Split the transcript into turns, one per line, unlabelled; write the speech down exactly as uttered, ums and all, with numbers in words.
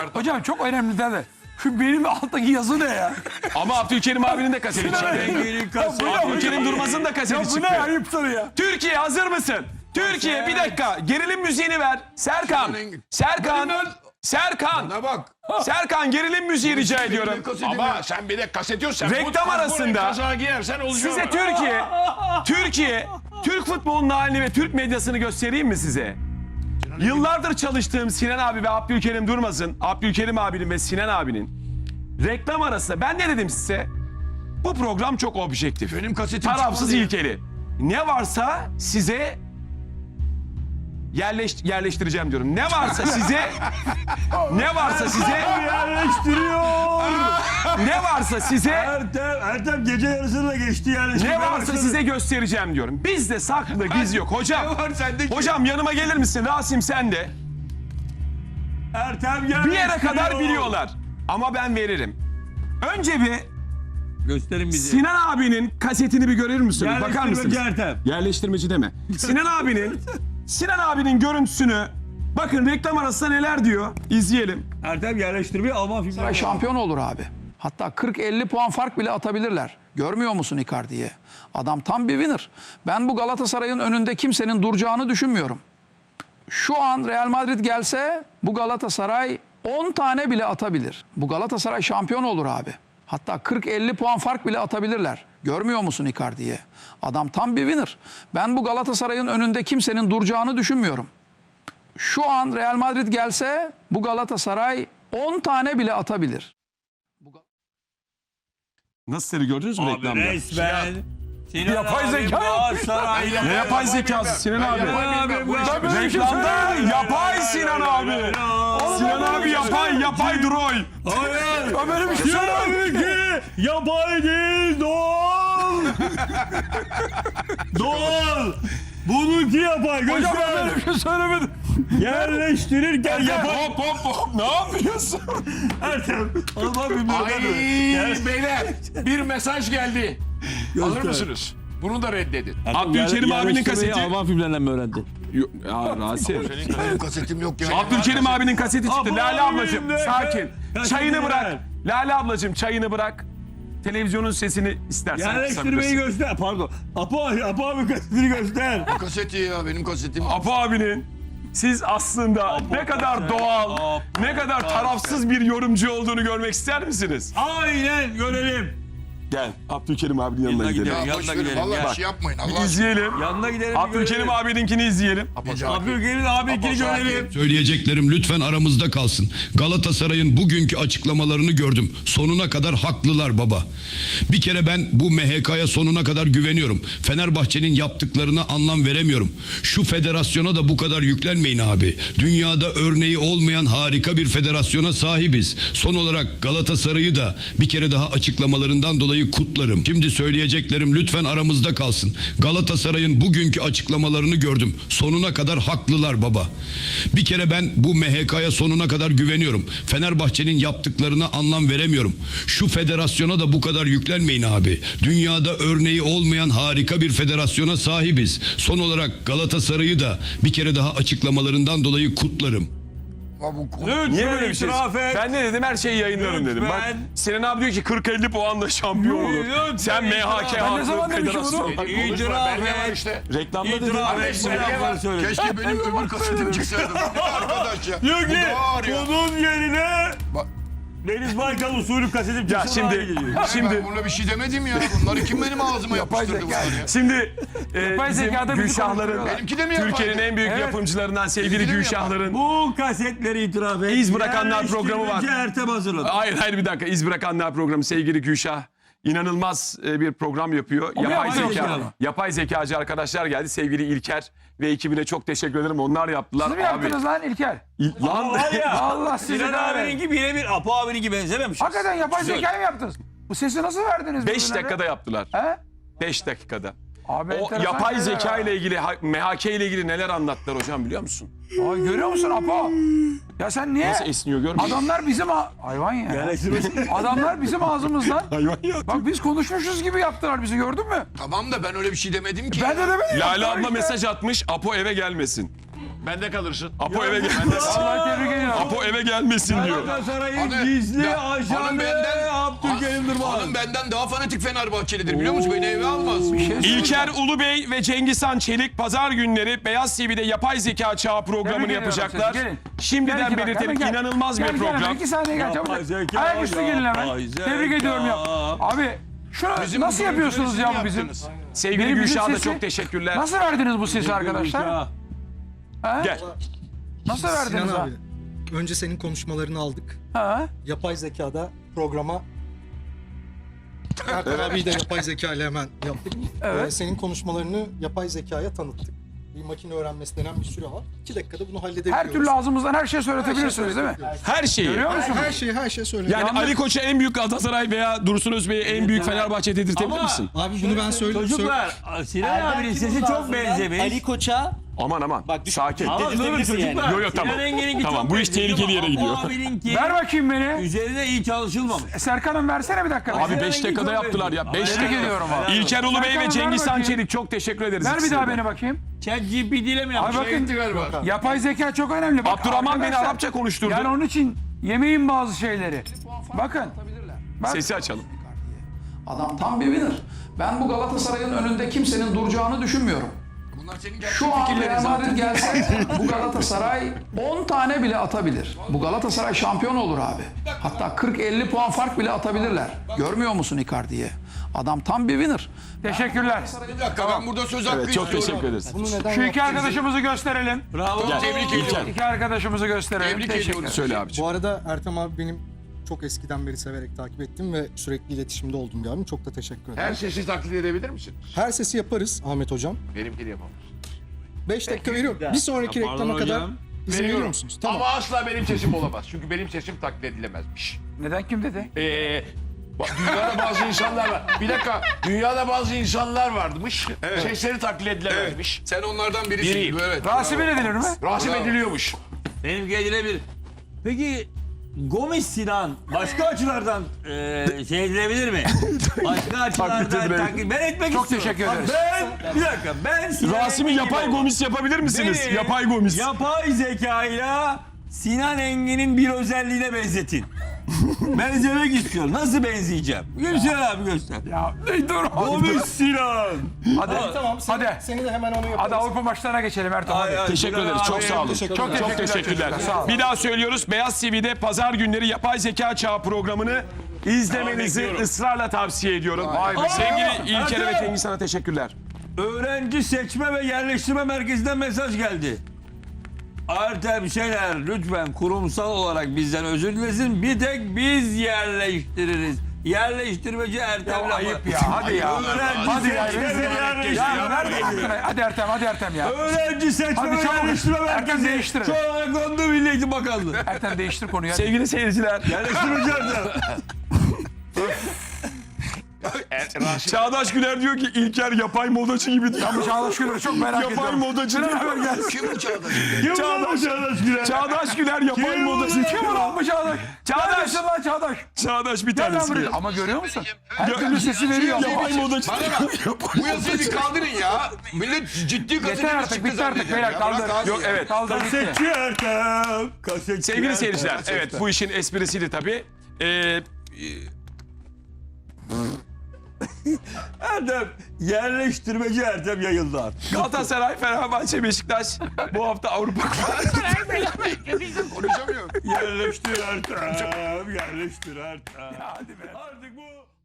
Hocam çok önemli de. Şu benim alttaki yazı ne ya?
Ama Abdülkerim abinin de kaseti çıktı. Abdülkerim Durmaz'ın da
Ya
kaseti
bu ne
çıktı.
ayıptır ya?
Türkiye hazır mısın? Türkiye bir dakika. Gerilim müziğini ver. Serkan. Serkan. Serkan.
Bana bak.
Serkan gerilim müziği rica ediyorum.
Ama sen bir de kaset yok. Sen
Reklam
bu-
arasında
bu kazağı giyersen olacak.
Size Türkiye, Türkiye, Türk futbolunun halini ve Türk medyasını göstereyim mi size? Yıllardır çalıştığım Sinan abi ve Abdülkerim Durmaz'ın, Abdülkerim abinin ve Sinan abinin reklam arasında ben ne dedim size? Bu program çok objektif.
Benim kasetim
Tarafsız
çıkmadı ya.
ilkeli. Ne varsa size yerleş, yerleştireceğim diyorum. Ne varsa size ne varsa size
Yerleştiriyor.
ne varsa size
Ertem, Ertem gece yarısında geçti yerleştirmeye
ne varsa
başladı.
size göstereceğim diyorum. Bizde saklı giz yok. Hocam,
Ne var sende ki?
hocam yanıma gelir misin? Rasim sen de.
Ertem
Bir yere
yerleştiriyor.
kadar biliyorlar. Ama ben veririm. Önce bir
Gösterin bizi.
Sinan abinin kasetini bir görür müsünüz? Bakar
Yerleştirmeci
mısınız?
Ertem.
Yerleştirmeci deme. Sinan abinin Sinan abinin görüntüsünü bakın reklam arasında neler diyor. İzleyelim.
Ertem yerleştirmeyi Alman filmleri.
Şampiyon olur abi. Hatta kırk elli puan fark bile atabilirler. Görmüyor musun Icardi'yi? Adam tam bir winner. Ben bu Galatasaray'ın önünde kimsenin duracağını düşünmüyorum. Şu an Real Madrid gelse bu Galatasaray on tane bile atabilir. Bu Galatasaray şampiyon olur abi. Hatta kırk elli puan fark bile atabilirler. Görmüyor musun Icardi'yi? Adam tam bir winner. Ben bu Galatasaray'ın önünde kimsenin duracağını düşünmüyorum. Şu an Real Madrid gelse bu Galatasaray on tane bile atabilir.
Nasıl seri gördünüz mü
Abi
reklamda?
resmen. Sinan
Yapay
abi
zeka.
Galatasaray'la-
Ne yapay zekası Sinan abi?
abi, bu
Ben böyle bir şey
Reklamda
söylemedim.
yapay Sinan abi. Sinan abi yapay yapay droy.
Hayır.
Ben böyle bir şey söylemedim.
Tabii ki yapay değil doğal. Doğal. Bununki yapay.
Hocam ben
Göster.
böyle bir şey söylemedim.
Yerleştirirken yapay.
Hop hop hop ne yapıyorsun?
Ertem. Alman
Ay
filmleri.
beyler bir mesaj geldi. Alır mısınız? Bunu da reddedin.
Abdülkerim abinin kaseti.
Alman filmlerinden mi öğrendin?
Ya Rasim.
Benim kasetim yok ya.
Abdülkerim abinin kaseti çıktı.
Apo
Lale
abim
ablacığım
de-
sakin.
Ya
Çayını
şimdi
bırak.
ver.
Lale ablacığım çayını bırak. Televizyonun sesini istersen
Yerleştirmeyi
kısabilirsin.
göster. Pardon. Apo, Apo abi kasetini göster.
Kaseti ya benim kasetim.
Apo abinin siz aslında ne kadar doğal,
Apo.
ne kadar tarafsız bir yorumcu olduğunu görmek ister misiniz?
Aynen görelim.
Gel Abdülkerim abinin yanına
Yanına
gidelim.
gidelim.
Ya
Yanına
boş verin
gidelim,
vallahi
gel.
bir şey yapmayın Allah
Bir
aşkına.
izleyelim.
Yanına gidelim. bir
Abdülkerim
görelim.
abininkini izleyelim.
Abdülkerim abininkini görelim.
Söyleyeceklerim lütfen aramızda kalsın. Galatasaray'ın bugünkü açıklamalarını gördüm. Sonuna kadar haklılar baba. Bir kere ben bu M H K'ya sonuna kadar güveniyorum. Fenerbahçe'nin yaptıklarına anlam veremiyorum. Şu federasyona da bu kadar yüklenmeyin abi. Dünyada örneği olmayan harika bir federasyona sahibiz. Son olarak Galatasaray'ı da bir kere daha açıklamalarından dolayı kutlarım. Şimdi söyleyeceklerim lütfen aramızda kalsın. Galatasaray'ın bugünkü açıklamalarını gördüm. Sonuna kadar haklılar baba. Bir kere ben bu M H K'ya sonuna kadar güveniyorum. Fenerbahçe'nin yaptıklarına anlam veremiyorum. Şu federasyona da bu kadar yüklenmeyin abi. Dünyada örneği olmayan harika bir federasyona sahibiz. Son olarak Galatasaray'ı da bir kere daha açıklamalarından dolayı kutlarım.
Ya bu konu-
Lütfen
Niye böyle bir şey?
itiraf et.
Ben ne dedim? Her şeyi yayınlarım dedim. Bak
Lütfen.
Sinan abi diyor ki kırk elli puanla şampiyon olur.
Lütfen
Sen M H K
itiraf.
Ben ne zaman
haklı
demişim
federasyon.
bunu?
Bak, konuşma,
İtiraf
belge var
et.
işte.
Reklamda dedim.
İtiraf et.
Keşke,
Belge var, söyle.
keşke benim öbür kasetim çıksaydı. Bu ne arkadaş ya?
Diyor
Bu
ki
da ağır ya.
bunun yerine
Bak-
Deniz Baykal usulü kasetim
Ya
çıksın abi
şimdi
geliyor.
Ben
şimdi
buna bir şey demedim ya. Bunları kim benim ağzıma yapıştırdı bunları ya?
şimdi e,
Yapay
bizim
zekada bizi
Gülşahların
konuşturuyorlar.
Benimki de mi yapay?
Türkiye'nin en büyük
Evet.
yapımcılarından sevgili
Benimki de mi
Gülşahların.
Bu kasetleri itiraf et.
İz Bırakanlar programı var.
Yerleştirmeci Ertem hazırladı.
Hayır hayır bir dakika. İz Bırakanlar programı sevgili Gülşah. İnanılmaz e, bir program yapıyor. Yapay
yapay
zeka,
zekalı.
yapay zekacı arkadaşlar geldi. Sevgili İlker ve ekibine çok teşekkür ederim. Onlar yaptılar.
Siz mi yaptınız lan İlker?
İl- lan
Var ya.
Allah sizi
Sinan
kahretsin.
abininki birebir Apo abininki benzememiş.
Hakikaten yapay zekayı mı yaptınız? Bu sesi nasıl verdiniz?
beş
birbirlerine?
dakikada yaptılar.
He?
beş dakikada.
Abi
O
enteresan
yapay
şeyler
zeka
ha.
ile ilgili, ha- M H K ile ilgili neler anlattılar hocam biliyor musun?
Ay, görüyor musun Apo? Ya sen niye?
Nasıl esniyor görmüyor musun?
Adamlar bizim a- hayvan ya.
Yerleştirmeci.
Adamlar bizim ağzımızdan.
Hayvan ya.
Bak biz konuşmuşuz gibi yaptılar bizi gördün mü?
Tamam da ben öyle bir şey demedim ki.
Ben de demedim.
Lale
yaptılar
abla
işte.
mesaj atmış. Apo eve gelmesin.
Bende kalırsın.
Apo eve gelmesin.
Vallahi tebrik ediyorum.
Apo eve gelmesin diyor.
Galatasaray'ın
Hanım-
gizli
Ya,
ajanı
hanım benden-
Abdülkerim Durmaz.
Hanım benden daha fanatik Fenerbahçelidir biliyor musun? Beni eve almaz.
İlker Ulubey ve Cengizhan Çelik pazar günleri Beyaz T V'de yapay zeka çağı programını
Tebrik ediyorum
yapacaklar.
sizi. Gelin.
Şimdiden
Gel iki dakika,
belirtelim
gel.
inanılmaz
Gel,
bir
gel hemen,
program.
iki saniye gel çabuk.
Yapay zeka,
Ayaküstü gelin hemen.
yapay
Tebrik
zeka.
ediyorum ya. Abi şunu
Bizim
nasıl
bu
yapıyorsunuz
görüntüleri
ya bu
siz
bizim?
yaptınız.
Sevgili
Benim bizim
Gülşah'a da
sesi-
çok teşekkürler.
Nasıl verdiniz bu sesi arkadaşlar? He?
Gel.
Nasıl verdiniz
Sinan
ha?
abi, önce senin konuşmalarını aldık.
Ha?
Yapay zekada programa Erkan abiyi de yapay zeka ile hemen yaptık.
Evet.
Ee, senin konuşmalarını yapay zekaya tanıttık. Bir makine öğrenmesi denen bir süre var. İki dakikada bunu halledebiliyoruz.
Her türlü ağzımızdan her şey söyletebilirsiniz değil mi?
Her şeyi.
Görüyor
Her,
musunuz?
her şeyi her şey söylüyor.
Yani Ali Koç'a en büyük Galatasaray veya Dursun Özbey'e en büyük Fenerbahçe dedirtebilir
Ama-
misin?
Abi bunu ben söyleyeyim.
Çocuklar Sinan abinin sesi çok benzemiş.
Ali Koç'a
Aman aman. Sakin.
Ama durun
dedirtebilirsin
çocuklar.
yani.
Yo, yo, tamam.
Sinan Engin'inki
Tamam,
çok
bu iş
benzemiş
tehlikeli
ama
yere gidiyor.
Apo abininki
Ver bakayım beni.
üzerine iyi çalışılmamış.
Serkan'ım versene bir dakika.
Abi
Ver.
beş dakikada yaptılar ya. beş
Tebrik
dakika.
ediyorum abi.
İlker Ulubey
Serkan'ım,
ve
ver
Cengizhan
bakayım.
Çelik çok teşekkür ederiz.
Ver bir
ikisine
daha
de.
beni bakayım.
Chat G P T ile mi
Abi
yapmış?
bakın.
galiba.
Yapay zeka çok önemli. Bak,
Abdurrahman beni
arkadaşlar,
Arapça konuşturdu.
Yani onun için yemeyin bazı şeyleri. Bakın. Bak,
Sesi açalım.
adam tam bir winner. Ben bu Galatasaray'ın önünde kimsenin duracağını düşünmüyorum.
Bunlar senin gerçek
Şu an
fikirlerin
Real Madrid
zaten.
gelse bu Galatasaray on tane bile atabilir. Bu Galatasaray şampiyon olur abi. Hatta kırk elli puan fark bile atabilirler. Görmüyor musun Icardi'yi? Adam tam bir winner. Teşekkürler.
Bir dakika ben burada söz hakkı
Evet, çok
istiyorum.
teşekkür ederiz.
Bunu neden
Şu iki
yaptığımızı-
arkadaşımızı gösterelim.
Bravo.
Gel.
Tebrik
İlker.
ediyorum.
İki arkadaşımızı gösterelim.
Tebrik
Teşekkür
ediyorum.
ederim.
Söyle abiciğim.
Bu arada Ertem abi benim çok eskiden beri severek takip ettim ve sürekli iletişimde olduğum bir abim. Çok da teşekkür ederim.
Her sesi taklit edebilir misin?
Her sesi yaparız Ahmet hocam.
Benimkini yapamaz.
beş dakika veriyorum. Bir sonraki
Ya pardon
reklama kadar
hocam.
izin veriyor
Veriyorum.
musunuz? Tamam.
Ama asla benim sesim olamaz. Çünkü benim sesim taklit edilemezmiş.
Neden kim dedi?
Ee, bak, dünyada bazı insanlar var. Bir dakika. Dünyada bazı insanlar varmış. Sesleri taklit edilemezmiş.
Sen onlardan birisin.
Biriyim.
Evet.
Rasim edilir mi?
Rasim ediliyormuş.
Benimki edilebilir. Peki Gomis Sinan başka açılardan e, şey edilebilir mi? Başka açılardan
edilebilir.
taklit. Ben etmek
Çok
istiyorum.
teşekkür
Bak
ederiz.
Ben, bir dakika ben Sinan
Rasim'i
Engin
yapay
gibi
gomis yapabilir misiniz?
Beni
Yapay gomis.
Yapay zekayla Sinan Engin'in bir özelliğine benzetin. Benzemek istiyorum. Nasıl benzeyeceğim? Gülşen abi göster.
Ya ne dur.
Gomis Sinan.
Hadi.
Tamam seni,
Hadi.
seni de hemen onu yaparız.
Hadi Avrupa maçlarına geçelim Ertuğrul.
Ay,
Hadi.
ay,
Teşekkür
Sinan
ederiz. Çok
abi,
sağ olun.
teşekkür
Çok
ederim.
Çok
teşekkürler.
teşekkürler.
çocuklar, sağ olun.
Bir daha söylüyoruz. Beyaz T V'de pazar günleri yapay zeka çağı programını izlemenizi ısrarla tavsiye ediyorum.
Vay be.
Sevgili İlker'e ve
Ertem.
Cengizhan'a teşekkürler.
Öğrenci Seçme ve Yerleştirme Merkezi'nden mesaj geldi. Ertem Şener lütfen kurumsal olarak bizden özür dilesin. Bir tek biz yerleştiririz. Yerleştirmeci Ertem.
Ya ayıp ya, hadi ya.
Öğrenci
Hadi ya,
Seçme
rezil
ve
ya,
Yerleştirme
ver
Merkezi.
hakkını. Hadi Ertem, hadi Ertem ya.
Öğrenci Seçme
Hadi
ve
çabuk.
Yerleştirme
Ertem
Merkezi.
değiştirin.
Şu an kondu Milli Eğitim Bakanlığı.
Ertem değiştir konuyu. hadi.
Sevgili seyirciler.
Yerleştirmeci Ertem.
Çağdaş Güler diyor ki İlker yapay modacı gibi diyor.
Bu Çağdaş Gül'ü çok merak
Yapay
ediyorum.
modacı diyor.
Kim bu Çağdaş?
Çağdaş,
Çağdaş Güler.
Çağdaş Güler yapay modacı.
Kim ulan bu Çağdaş?
Çağdaş.
Neredesin lan Çağdaş?
Çağdaş bir
Gel lan
tanesi.
buraya. Ama görüyor musun? Her türlü sesi veriyor.
Yapay modacı.
Bana bak. Bu yazıyı bir kaldırın ya. Millet ciddi
Yeter
gazeteci
artık,
çıktı
bitti artık.
zannediyor
Beyler
ya. Bırak
kaldır.
abi
Yok
ya.
evet.
Kaldır gitti.
Kasetçi Ertem. Kasetçi
Sevgili
Ertem.
seyirciler, evet bu işin esprisiydi tabii. Ee,
Ertem. Yerleştirmeci Ertem yayıldı artık.
Galatasaray, Fenerbahçe, Beşiktaş bu hafta Avrupa
Konuşamıyor.
Yerleştir Ertem. Yerleştir Ertem. Hadi be. Artık bu